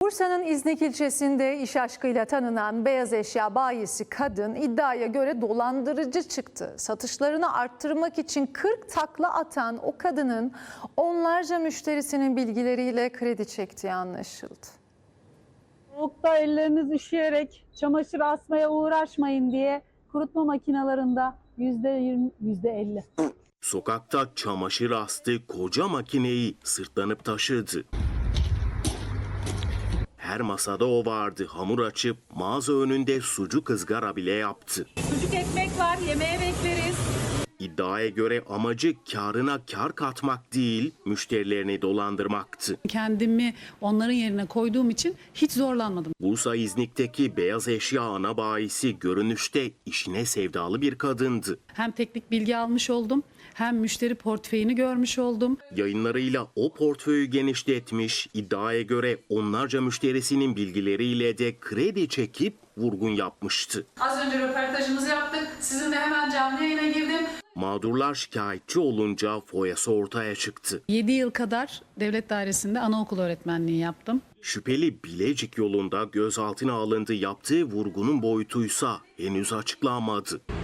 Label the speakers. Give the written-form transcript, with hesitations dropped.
Speaker 1: Bursa'nın İznik ilçesinde iş aşkıyla tanınan beyaz eşya bayisi kadın iddiaya göre dolandırıcı çıktı. Satışlarını arttırmak için 40 takla atan o kadının onlarca müşterisinin bilgileriyle kredi çektiği anlaşıldı.
Speaker 2: Soğukta elleriniz üşüyerek çamaşır asmaya uğraşmayın diye kurutma makinelerinde %20, %50.
Speaker 3: Sokakta çamaşır astı, koca makineyi sırtlanıp taşıdı. Her masada o vardı. Hamur açıp mağaza önünde sucuk ızgara bile yaptı.
Speaker 2: Sucuk ekmek var, yemeğe bekleriz.
Speaker 3: İddiaya göre amacı kârına kâr katmak değil, müşterilerini dolandırmaktı.
Speaker 4: Kendimi onların yerine koyduğum için hiç zorlanmadım.
Speaker 3: Bursa İznik'teki beyaz eşya ana bayisi görünüşte işine sevdalı bir kadındı.
Speaker 4: Hem teknik bilgi almış oldum, hem müşteri portföyünü görmüş oldum.
Speaker 3: Yayınlarıyla o portföyü genişletmiş, iddiaya göre onlarca müşterisinin bilgileriyle de kredi çekip vurgun yapmıştı.
Speaker 4: Az önce röportajımızı yaptık. Sizinle hemen canlı yayına girdim.
Speaker 3: Mağdurlar şikayetçi olunca foyası ortaya çıktı.
Speaker 4: 7 yıl kadar devlet dairesinde anaokul öğretmenliği yaptım.
Speaker 3: Şüpheli Bilecik yolunda gözaltına alındı, yaptığı vurgunun boyutuysa henüz açıklanmadı.